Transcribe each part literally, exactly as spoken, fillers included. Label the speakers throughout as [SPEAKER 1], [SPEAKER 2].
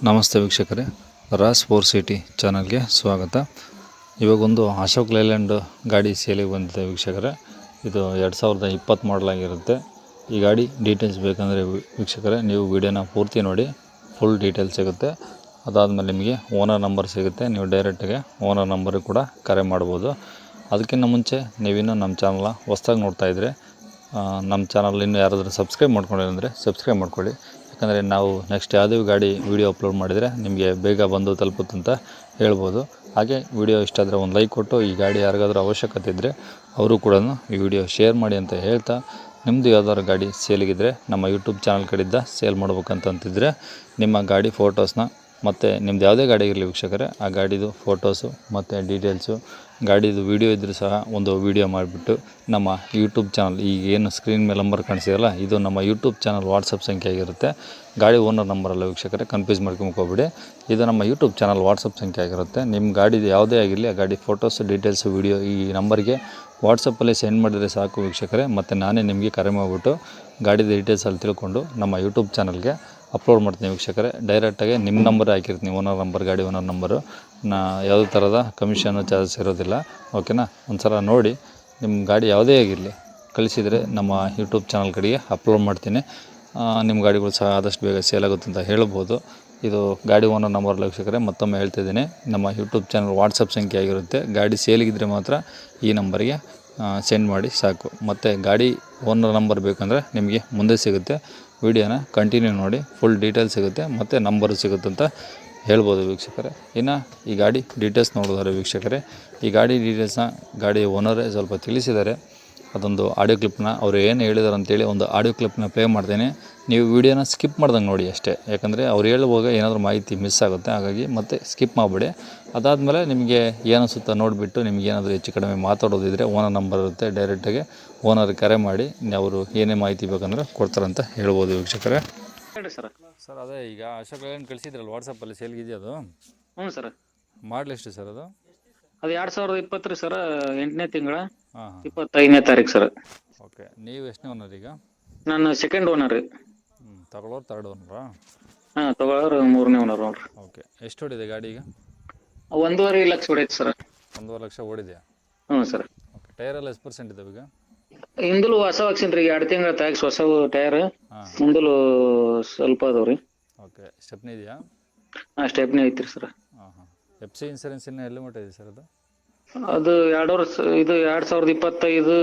[SPEAKER 1] ನಮಸ್ತೆ ವೀಕ್ಷಕರೇ, Raas four city ಚಾನಲ್ಗೆ ಸ್ವಾಗತ. ಇವಾಗೊಂದು ಅಶೋಕ್ ಲೈಲ್ಯಾಂಡ್ ಗಾಡಿ ಸೇಲಿಗೆ ಬಂದಿದೆ ವೀಕ್ಷಕರೇ. ಇದು ಎರಡು ಸಾವಿರದ ಇಪ್ಪತ್ತು ಮಾಡಲಾಗಿರುತ್ತೆ. ಈ ಗಾಡಿ ಡೀಟೇಲ್ಸ್ ಬೇಕಂದರೆ ವೀಕ್ಷಕರೇ ನೀವು ವಿಡಿಯೋನ ಪೂರ್ತಿ ನೋಡಿ, ಫುಲ್ ಡೀಟೇಲ್ಸ್ ಸಿಗುತ್ತೆ. ಅದಾದಮೇಲೆ ನಿಮಗೆ ಓನರ್ ನಂಬರ್ ಸಿಗುತ್ತೆ, ನೀವು ಡೈರೆಕ್ಟಾಗಿ ಓನರ್ ನಂಬರಿಗೆ ಕೂಡ ಕರೆ ಮಾಡ್ಬೋದು. ಅದಕ್ಕಿಂತ ಮುಂಚೆ ನೀವಿನ್ನೂ ನಮ್ಮ ಚಾನಲ್ನ ಹೊಸ್ದಾಗಿ ನೋಡ್ತಾಯಿದ್ರೆ ನಮ್ಮ ಚಾನಲ್ ಇನ್ನೂ ಯಾರಾದರೂ ಸಬ್ಸ್ಕ್ರೈಬ್ ಮಾಡ್ಕೊಂಡಿಲ್ಲ ಅಂದರೆ ಸಬ್ಸ್ಕ್ರೈಬ್ ಮಾಡ್ಕೊಳ್ಳಿ. ಯಾಕಂದರೆ ನಾವು ನೆಕ್ಸ್ಟ್ ಯಾವುದೇ ಗಾಡಿ ವೀಡಿಯೋ ಅಪ್ಲೋಡ್ ಮಾಡಿದರೆ ನಿಮಗೆ ಬೇಗ ಬಂದು ತಲುಪುತ್ತಂತ ಹೇಳ್ಬೋದು. ಹಾಗೆ ವಿಡಿಯೋ ಇಷ್ಟ ಆದರೆ ಒಂದು ಲೈಕ್ ಕೊಟ್ಟು ಈ ಗಾಡಿ ಯಾರಿಗಾದ್ರೂ ಅವಶ್ಯಕತೆ ಇದ್ದರೆ ಅವರು ಕೂಡ ಈ ವಿಡಿಯೋ ಶೇರ್ ಮಾಡಿ ಅಂತ ಹೇಳ್ತಾ, ನಿಮ್ಮದು ಯಾವ್ದಾದ್ರು ಗಾಡಿ ಸೇಲಿಗಿದ್ದರೆ ನಮ್ಮ ಯೂಟ್ಯೂಬ್ ಚಾನಲ್ ಕಡೆಯಿಂದ ಸೇಲ್ ಮಾಡ್ಬೇಕಂತಂತಿದ್ರೆ ನಿಮ್ಮ ಗಾಡಿ ಫೋಟೋಸ್ನ ಮತ್ತು ನಿಮ್ಮದು ಯಾವುದೇ ಗಾಡಿ ಇರಲಿ ವೀಕ್ಷಕರೇ, ಆ ಗಾಡಿದು ಫೋಟೋಸು ಮತ್ತು ಡೀಟೇಲ್ಸು, ಗಾಡಿದು ವೀಡಿಯೋ ಇದ್ದರೂ ಸಹ ಒಂದು ವೀಡಿಯೋ ಮಾಡಿಬಿಟ್ಟು ನಮ್ಮ ಯೂಟ್ಯೂಬ್ ಚಾನಲ್, ಈಗ ಏನು ಸ್ಕ್ರೀನ್ ಮೇಲೆ ನಂಬರ್ ಕಾಣಿಸಿದಲ್ಲ, ಇದು ನಮ್ಮ ಯೂಟ್ಯೂಬ್ ಚಾನಲ್ ವಾಟ್ಸಪ್ ಸಂಖ್ಯೆ ಆಗಿರುತ್ತೆ. ಗಾಡಿ ಓನರ್ ನಂಬರಲ್ಲ ವೀಕ್ಷಕರೇ, ಕನ್ಫ್ಯೂಸ್ ಮಾಡ್ಕೊಂಬೋಗ್ಬೇಡಿ. ಇದು ನಮ್ಮ ಯೂಟ್ಯೂಬ್ ಚಾನಲ್ ವಾಟ್ಸಪ್ ಸಂಖ್ಯೆ ಆಗಿರುತ್ತೆ. ನಿಮ್ಮ ಗಾಡಿದು ಯಾವುದೇ ಆಗಿರಲಿ ಆ ಗಾಡಿ ಫೋಟೋಸು ಡೀಟೇಲ್ಸು ವೀಡಿಯೋ ಈ ನಂಬರ್ಗೆ ವಾಟ್ಸಪ್ಪಲ್ಲಿ ಸೆಂಡ್ ಮಾಡಿದರೆ ಸಾಕು ವೀಕ್ಷಕರೇ. ಮತ್ತು ನಾನೇ ನಿಮಗೆ ಕರೆ ಮಾಡಿಬಿಟ್ಟು ಗಾಡಿದ ಡೀಟೇಲ್ಸಲ್ಲಿ ತಿಳ್ಕೊಂಡು ನಮ್ಮ ಯೂಟ್ಯೂಬ್ ಚಾನಲ್ಗೆ ಅಪ್ಲೋಡ್ ಮಾಡ್ತೀನಿ ವೀಕ್ಷಕರೇ. ಡೈರೆಕ್ಟಾಗಿ ನಿಮ್ಮ ನಂಬರ್ ಹಾಕಿರ್ತೀನಿ, ಓನರ್ ನಂಬರ್, ಗಾಡಿ ಓನರ್ ನಂಬರು. ನಾ ಯಾವುದೇ ಥರದ ಕಮಿಷನ್ನು ಚಾರ್ಜಸ್ ಇರೋದಿಲ್ಲ. ಓಕೆನಾ? ಒಂದು ಸಲ ನೋಡಿ, ನಿಮ್ಮ ಗಾಡಿ ಯಾವುದೇ ಆಗಿರಲಿ ಕಳಿಸಿದರೆ ನಮ್ಮ ಯೂಟ್ಯೂಬ್ ಚಾನಲ್ ಕಡೆಗೆ ಅಪ್ಲೋಡ್ ಮಾಡ್ತೀನಿ. ನಿಮ್ಮ ಗಾಡಿಗಳು ಸಹ ಆದಷ್ಟು ಬೇಗ ಸೇಲ್ ಆಗುತ್ತೆ ಅಂತ ಹೇಳ್ಬೋದು. ಇದು ಗಾಡಿ ಓನರ್ ನಂಬರ್ ವೀಕ್ಷಕರೇ, ಮತ್ತೊಮ್ಮೆ ಹೇಳ್ತಿದ್ದೀನಿ, ನಮ್ಮ ಯೂಟ್ಯೂಬ್ ಚಾನಲ್ ವಾಟ್ಸಪ್ ಸಂಖ್ಯೆ ಆಗಿರುತ್ತೆ. ಗಾಡಿ ಸೇಲಿಗಿದ್ದರೆ ಮಾತ್ರ ಈ ನಂಬರ್ಗೆ ಸೆಂಡ್ ಮಾಡಿ ಸಾಕು. ಮತ್ತು ಗಾಡಿ ಓನರ್ ನಂಬರ್ ಬೇಕಂದರೆ ನಿಮಗೆ ಮುಂದೆ ಸಿಗುತ್ತೆ. ವಿಡಿಯೋನ ಕಂಟಿನ್ಯೂ ನೋಡಿ, ಫುಲ್ ಡೀಟೇಲ್ಸ್ ಸಿಗುತ್ತೆ ಮತ್ತು ನಂಬರು ಸಿಗುತ್ತೆ ಅಂತ ಹೇಳ್ಬೋದು ವೀಕ್ಷಕರೇ. ಇನ್ನು ಈ ಗಾಡಿ ಡೀಟೇಲ್ಸ್ ನೋಡಿದರೆ ವೀಕ್ಷಕರೇ, ಈ ಗಾಡಿ ಡೀಟೇಲ್ಸ್ನ ಗಾಡಿ ಓನರೇ ಸ್ವಲ್ಪ ತಿಳಿಸಿದ್ದಾರೆ. ಅದೊಂದು ಆಡಿಯೋ ಕ್ಲಿಪ್ನ ಅವರು ಏನು ಹೇಳಿದಾರೆ ಅಂತೇಳಿ ಒಂದು ಆಡಿಯೋ ಕ್ಲಿಪ್ನ ಪ್ಲೇ ಮಾಡ್ತೇನೆ. ನೀವು ವೀಡಿಯೋನ ಸ್ಕಿಪ್ ಮಾಡ್ದಂಗೆ ನೋಡಿ ಅಷ್ಟೇ. ಯಾಕಂದರೆ ಅವ್ರು ಹೇಳುವಾಗ ಏನಾದರೂ ಮಾಹಿತಿ ಮಿಸ್ ಆಗುತ್ತೆ, ಹಾಗಾಗಿ ಮತ್ತೆ ಸ್ಕಿಪ್ ಮಾಡಿಬಿಡಿ. ಅದಾದಮೇಲೆ ನಿಮಗೆ ಏನಿಸುತ್ತಾ ನೋಡಿಬಿಟ್ಟು ನಿಮ್ಗೆ ಏನಾದರೂ ಹೆಚ್ಚು ಕಡಿಮೆ ಮಾತಾಡೋದಿದ್ದರೆ ಓನರ್ ನಂಬರ್ ಇರುತ್ತೆ, ಡೈರೆಕ್ಟಾಗಿ ಓನರ್ ಕರೆ ಮಾಡಿ ಅವರು ಏನೇ ಮಾಹಿತಿ ಬೇಕಂದ್ರೆ ಕೊಡ್ತಾರಂತ ಹೇಳ್ಬೋದು ವೀಕ್ಷಕರೇ.
[SPEAKER 2] ಹೇಳಿ ಸರ್.
[SPEAKER 1] ಸರ್ ಅದೇ ಈಗ ಅಶೋಕ್ ಲೈಲ್ಯಾಂಡ್ ಕಳಿಸಿದ್ರಲ್ಲ ವಾಟ್ಸಪ್ಪಲ್ಲಿ ಸೇಲ್ಗಿದೆಯಾ ಅದು?
[SPEAKER 2] ಹ್ಞೂ ಸರ್.
[SPEAKER 1] ಮಾಡಲಿ ಎಷ್ಟು ಸರ್ ಅದು?
[SPEAKER 2] ಅದು ಎರಡು ಸಾವಿರದ ಇಪ್ಪತ್ತು ರೀ ಸರ್, ಎಂಟನೇ ತಿಂಗಳ
[SPEAKER 1] ಹಾಂ ಹಾಂ
[SPEAKER 2] ಇಪ್ಪತ್ತೈದನೇ ತಾರೀಕು ಸರ್.
[SPEAKER 1] ಓಕೆ. ನೀವು ಎಷ್ಟನೇ ಓನರ್ ಈಗ?
[SPEAKER 2] ನಾನು ಸೆಕೆಂಡ್ ಓನರ್ ರೀ.
[SPEAKER 1] ಹ್ಞೂ ತಗೊಳ್ಳೋರು ತರ್ಡ್ ಓನರಾ?
[SPEAKER 2] ಹಾಂ, ತಗೊಳ್ಳೋರು ಮೂರನೇ ಓನರ್ ನೋಡ್ರಿ.
[SPEAKER 1] ಓಕೆ. ಎಷ್ಟು ಹೊಡಿದೆ ಗಾಡಿ ಈಗ?
[SPEAKER 2] ಒಂದೂವರೆ ಲಕ್ಷ ಹೊಡೈತೆ ಸರ್.
[SPEAKER 1] ಒಂದೂವರೆ ಲಕ್ಷ ಓಡಿದೆಯಾ?
[SPEAKER 2] ಹ್ಞೂ ಸರ್.
[SPEAKER 1] ಓಕೆ. ಟೈರೆಲ್ಲ ಎಷ್ಟು ಪರ್ಸೆಂಟ್ ಇದ್ದಾವೆ ಈಗ?
[SPEAKER 2] ಹಿಂದಲು ಹೊಸ ಹಾಕ್ಸಿನಿ ರೀ, ಎರಡು ತಿಂಗಳ ಟ್ಯಾಕ್ಸ್ ಹೊಸ ಟೈರ್.
[SPEAKER 1] ಹಾಂ.
[SPEAKER 2] ಮುಂದಲು ಸ್ವಲ್ಪ ಅದಾವ ರೀ.
[SPEAKER 1] ಓಕೆ. ಸ್ಟೆಪ್ನಿ ಇದೆಯಾ?
[SPEAKER 2] ಹಾಂ, ಸ್ಟೆಪ್ನಿ ಐತ್ರಿ ಸರ್.
[SPEAKER 1] ಹಾಂ ಹಾಂ. ಎಫ್ ಸಿ ಇನ್ಸೂರೆನ್ಸ್ ಇನ್ನೂ ಎಲ್ಲಿ ಮಟ್ಟ ಇದೆ ಸರ್ ಅದು?
[SPEAKER 2] ಅದು ಎರಡು ವರ್ಷ, ಇದು ಎರಡು ಸಾವಿರದ ಇಪ್ಪತ್ತೈದು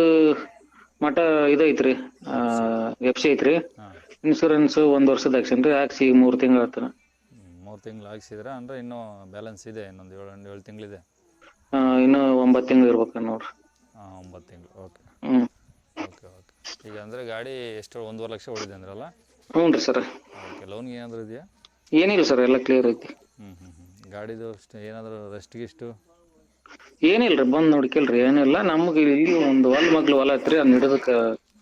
[SPEAKER 2] ಮಟ ಇದು ಐತ್ರಿ, ಎಫ್ ಸಿ ಐತ್ರಿ.
[SPEAKER 1] ಹಾಂ.
[SPEAKER 2] ಇನ್ಸೂರೆನ್ಸ್ ಒಂದು ವರ್ಷದ ಹಾಕ್ಸಿನಿ ರೀ, ಹಾಕ್ಸಿ ಮೂರು ತಿಂಗಳು ಆಯ್ತು.
[SPEAKER 1] ಮೂರು ತಿಂಗಳು ಹಾಕ್ಸಿದ್ರೆ ಅಂದರೆ ಇನ್ನೂ ಬ್ಯಾಲೆನ್ಸ್ ಇದೆ, ಇನ್ನೊಂದು ಏಳು ಏಳು ತಿಂಗಳಿದೆ.
[SPEAKER 2] ಹಾಂ, ಇನ್ನೂ ಒಂಬತ್ತು ತಿಂಗಳು ಇರ್ಬೇಕು ನೋಡ್ರಿ.
[SPEAKER 1] ಹಾಂ, ಒಂಬತ್ತು ತಿಂಗಳು. ಓಕೆ.
[SPEAKER 2] ಹ್ಞೂ.
[SPEAKER 1] Okay okay. ಈಗ ಅಂದರೆ ಗಾಡಿ ಎಷ್ಟು ಒಂದೂವರೆ ಲಕ್ಷ ಹೊಡಿದೆ ಅಂದ್ರಲ್ಲ?
[SPEAKER 2] ಹ್ಞೂ ರೀ ಸರ್.
[SPEAKER 1] ಓಕೆ. ಲೋನ್ಗೆ ಏನಾದರೂ ಇದೆಯಾ?
[SPEAKER 2] ಏನಿಲ್ಲ ಸರ್, ಎಲ್ಲ ಕ್ಲಿಯರ್ ಐತಿ.
[SPEAKER 1] ಹ್ಞೂ ಹ್ಞೂ ಹ್ಞೂ. ಗಾಡಿದು ಅಷ್ಟು ಏನಾದರೂ ರೆಸ್ಟ್ಗಿಷ್ಟು?
[SPEAKER 2] ಏನಿಲ್ಲ ರೀ, ಬಂದು ನೋಡ್ಕಿಲ್ರಿ, ಏನಿಲ್ಲ. ನಮ್ಗೆ ಇಲ್ಲಿ ಒಂದು ಹೊಲ ಮಗ್ಲು ಹೊಲ ಐತ್ರಿ, ಅದನ್ನ ಹಿಡಿದಕ್ಕೆ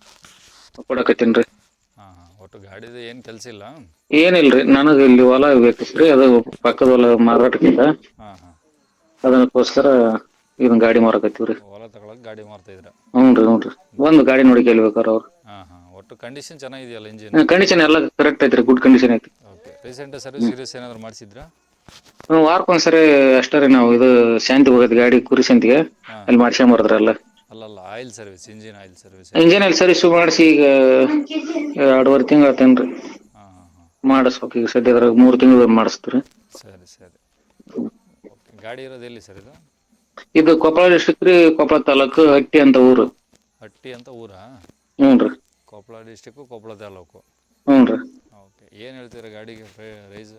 [SPEAKER 2] ಕೊಡಕತ್ತೀನಿ ರೀ.
[SPEAKER 1] ಹಾಂ ಹಾಂ. ಒಟ್ಟು ಗಾಡಿದು ಏನು ಕೆಲಸ ಇಲ್ಲ?
[SPEAKER 2] ಏನಿಲ್ಲ ರೀ, ನನಗೆ ಇಲ್ಲಿ ಹೊಲ ಬೇಕಿತ್ತು ರೀ, ಅದು ಪಕ್ಕದ ಹೊಲ ಮಾರಾಟಕ್ಕಿಂತ,
[SPEAKER 1] ಹಾಂ ಹಾಂ.
[SPEAKER 2] ಅದಕ್ಕೋಸ್ಕರ ಇದನ್ನ ಗಾಡಿ ಮಾರಕತ್ತೀವಿ ರೀ.
[SPEAKER 1] ಹೊಲ ತಗೊಳಕ್ಕೆ ಗಾಡಿ ಮಾರ್ತಾಯಿದ್ರ?
[SPEAKER 2] ಹ್ಞೂ ರೀ ಹ್ಞೂ ರೀ. ಒಂದು ಗಾಡಿ ನೋಡಿ ಕೇಳ್ಬೇಕಾರೆ ಅವ್ರು.
[SPEAKER 1] ಹಾಂ ಹಾಂ. ಒಟ್ಟು ಕಂಡೀಷನ್ ಚೆನ್ನಾಗಿದೆಯಲ್ಲ ಇಂಜಿನ್?
[SPEAKER 2] ಕಂಡೀಷನ್ ಎಲ್ಲ ಕರೆಕ್ಟ್ ಐತ್ರಿ, ಗುಡ್ ಕಂಡೀಷನ್ ಐತಿ.
[SPEAKER 1] ಓಕೆ. ರೀಸೆಂಟ್ ಸರ್ವಿಸ್ ಗಿರೀಸ್ ಏನಾದರೂ ಮಾಡಿಸಿದ್ರಾ?
[SPEAKER 2] ಹ್ಞೂ, ವಾರಕ್ಕೊಂದ್ಸರಿ ಅಷ್ಟೇ ರೀ. ನಾವು ಇದು ಶಾಂತಿ ಹೋಗೋದು ಗಾಡಿ, ಕುರಿ ಶಾಂತಿಗೆ, ಅಲ್ಲಿ ಮಾಡ್ಸ್ಕೊಂಬರ್ದ್ರಲ್ಲ.
[SPEAKER 1] ಅಲ್ಲಲ್ಲ, oil service, engine oil service.
[SPEAKER 2] Engine ಅಲ್ಲಿ ಸರ್ವಿಸ್ ಮಾಡಿಸಿ ಈಗ ಎರಡೂವರೆ ತಿಂಗಳು ಆತೇನ್ರಿ.
[SPEAKER 1] ಹಾಂ ಹಾಂ ಹಾಂ.
[SPEAKER 2] ಮಾಡಿಸ್ಬೇಕು ಈಗ ಸದ್ಯದ್ರಾಗ ಮೂರು ತಿಂಗಳು ಮಾಡಿಸ್ತೀವಿ.
[SPEAKER 1] ಸರಿ ಸರಿ. ಓಕೆ. ಗಾಡಿ ಇರೋದು ಎಲ್ಲಿ ಸರ್ ಇದು?
[SPEAKER 2] ಇದು ಕೊಪ್ಪಳ ಡಿಸ್ಟ್ರಿಕ್ಟ್ ರೀ, ಕೊಪ್ಪಳ ತಾಲೂಕು, ಹಟ್ಟಿ ಅಂತ ಊರು.
[SPEAKER 1] ಹಟ್ಟಿ ಅಂತ ಊರಾ?
[SPEAKER 2] ಹ್ಞೂ ರೀ.
[SPEAKER 1] ಕೊಪ್ಪಳ ಡಿಸ್ಟಿಕ್ಕು, ಕೊಪ್ಪಳ ತಾಲೂಕು.
[SPEAKER 2] ಹ್ಞೂ ರೀ.
[SPEAKER 1] ಓಕೆ. ಏನು ಹೇಳ್ತೀರಾ ಗಾಡಿಗೆ ಪ್ರೈಸ್?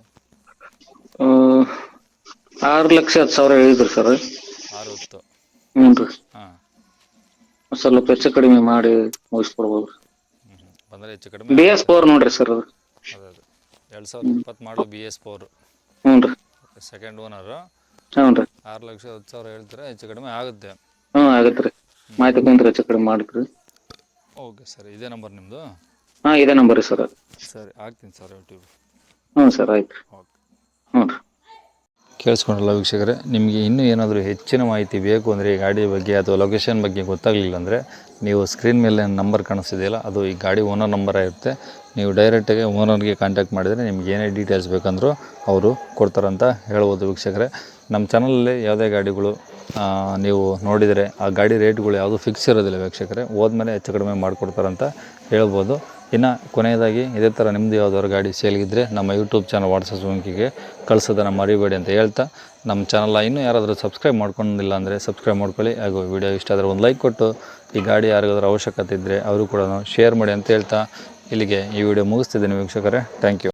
[SPEAKER 2] ಆರು ಲಕ್ಷ ಹತ್ತು ಸಾವಿರ ಹೇಳಿದ್ರು ಸರ್.
[SPEAKER 1] ಆರು ಹತ್ತು?
[SPEAKER 2] ಹ್ಞೂ ರೀ.
[SPEAKER 1] ಹಾಂ.
[SPEAKER 2] ಸ್ವಲ್ಪ ಹೆಚ್ಚು ಕಡಿಮೆ ಮಾಡಿ ಮುಗಿಸ್ಕೊಡ್ಬೋದು.
[SPEAKER 1] ಹ್ಞೂ ಹ್ಞೂ. ಬಂದರೆ ಹೆಚ್ಚು ಕಡಿಮೆ.
[SPEAKER 2] ಬಿ ಎಸ್ ಫೋರ್ ನೋಡ್ರಿ ಸರ್ ಅದು.
[SPEAKER 1] ಅದೇ ಅದೇ ಎರಡು ಸಾವಿರದ ಇಪ್ಪತ್ತು ಮಾಡಲು ಬಿ ಎಸ್ ಫೋರು.
[SPEAKER 2] ಹ್ಞೂ ರೀ.
[SPEAKER 1] Second owner.
[SPEAKER 2] ಹ್ಞೂ ರೀ.
[SPEAKER 1] ಆರು ಲಕ್ಷ ಹತ್ತು ಸಾವಿರ ಹೇಳ್ತೀರಾ, ಹೆಚ್ಚು ಕಡಿಮೆ ಆಗುತ್ತೆ?
[SPEAKER 2] ಹ್ಞೂ ಆಗುತ್ತೆ ರೀ, ಮಾಹಿತಿ ಕುಂತ್ರೆ ಹೆಚ್ಚು ಕಡಿಮೆ ಮಾಡಿದ್ರಿ.
[SPEAKER 1] Okay sir. ಇದೇ ನಂಬರ್ ನಿಮ್ಮದು?
[SPEAKER 2] ಹಾಂ, ಇದೇ ನಂಬರ್ ರೀ ಸರ್.
[SPEAKER 1] ಸರಿ, ಹಾಕ್ತೀನಿ ಸರ್ ಯೂಟ್ಯೂಬ್.
[SPEAKER 2] ಹ್ಞೂ ಸರ್, ಆಯ್ತು.
[SPEAKER 1] ಓಕೆ.
[SPEAKER 2] ಹ್ಞೂ ರೀ.
[SPEAKER 1] ಕೇಳಿಸ್ಕೊಂಡ್ರಲ್ಲ ವೀಕ್ಷಕರೇ, ನಿಮಗೆ ಇನ್ನೂ ಏನಾದರೂ ಹೆಚ್ಚಿನ ಮಾಹಿತಿ ಬೇಕು ಅಂದರೆ ಈ ಗಾಡಿ ಬಗ್ಗೆ ಅಥವಾ ಲೊಕೇಶನ್ ಬಗ್ಗೆ ಗೊತ್ತಾಗಲಿಲ್ಲ ಅಂದರೆ ನೀವು ಸ್ಕ್ರೀನ್ ಮೇಲೆ ನಂಬರ್ ಕಾಣಿಸ್ತಿದೆಯಲ್ಲ ಅದು ಈ ಗಾಡಿ ಓನರ್ ನಂಬರ್ ಇರುತ್ತೆ. ನೀವು ಡೈರೆಕ್ಟಾಗಿ ಓನರ್ಗೆ ಕಾಂಟ್ಯಾಕ್ಟ್ ಮಾಡಿದರೆ ನಿಮ್ಗೆ ಏನೇ ಡೀಟೇಲ್ಸ್ ಬೇಕಂದರೂ ಅವರು ಕೊಡ್ತಾರಂತ ಹೇಳ್ಬೋದು ವೀಕ್ಷಕರೇ. ನಮ್ಮ ಚಾನಲಲ್ಲಿ ಯಾವುದೇ ಗಾಡಿಗಳು ನೀವು ನೋಡಿದರೆ ಆ ಗಾಡಿ ರೇಟ್ಗಳು ಯಾವುದು ಫಿಕ್ಸ್ ಇರೋದಿಲ್ಲ ವೀಕ್ಷಕರೇ, ಹೋದ್ಮೇಲೆ ಹೆಚ್ಚು ಕಡಿಮೆ ಮಾಡಿಕೊಡ್ತಾರಂತ ಹೇಳ್ಬೋದು. ಇನ್ನು ಕೊನೆಯದಾಗಿ ಇದೇ ಥರ ನಿಮ್ಮದು ಯಾವುದಾದ್ರು ಗಾಡಿ ಸೇಲ್ಗಿದ್ದರೆ ನಮ್ಮ ಯೂಟ್ಯೂಬ್ ಚಾನಲ್ ವಾಟ್ಸಪ್ ಲಿಂಕಿಗೆ ಕಳಿಸೋದನ್ನು ಮರಿಬೇಡಿ ಅಂತ ಹೇಳ್ತಾ, ನಮ್ಮ ಚಾನಲ್ ಇನ್ನೂ ಯಾರಾದರೂ ಸಬ್ಸ್ಕ್ರೈಬ್ ಮಾಡ್ಕೊಂಡಿಲ್ಲ ಅಂದರೆ ಸಬ್ಸ್ಕ್ರೈಬ್ ಮಾಡ್ಕೊಳ್ಳಿ. ಹಾಗೂ ವಿಡಿಯೋ ಇಷ್ಟ ಆದರೆ ಒಂದು ಲೈಕ್ ಕೊಟ್ಟು ಈ ಗಾಡಿ ಯಾರಿಗಾದ್ರೂ ಅವಶ್ಯಕತೆ ಇದ್ದರೆ ಅವರು ಕೂಡ ಶೇರ್ ಮಾಡಿ ಅಂತ ಹೇಳ್ತಾ ಇಲ್ಲಿಗೆ ಈ ವಿಡಿಯೋ ಮುಗಿಸ್ತಿದ್ದೀನಿ ವೀಕ್ಷಕರೇ. Thank you.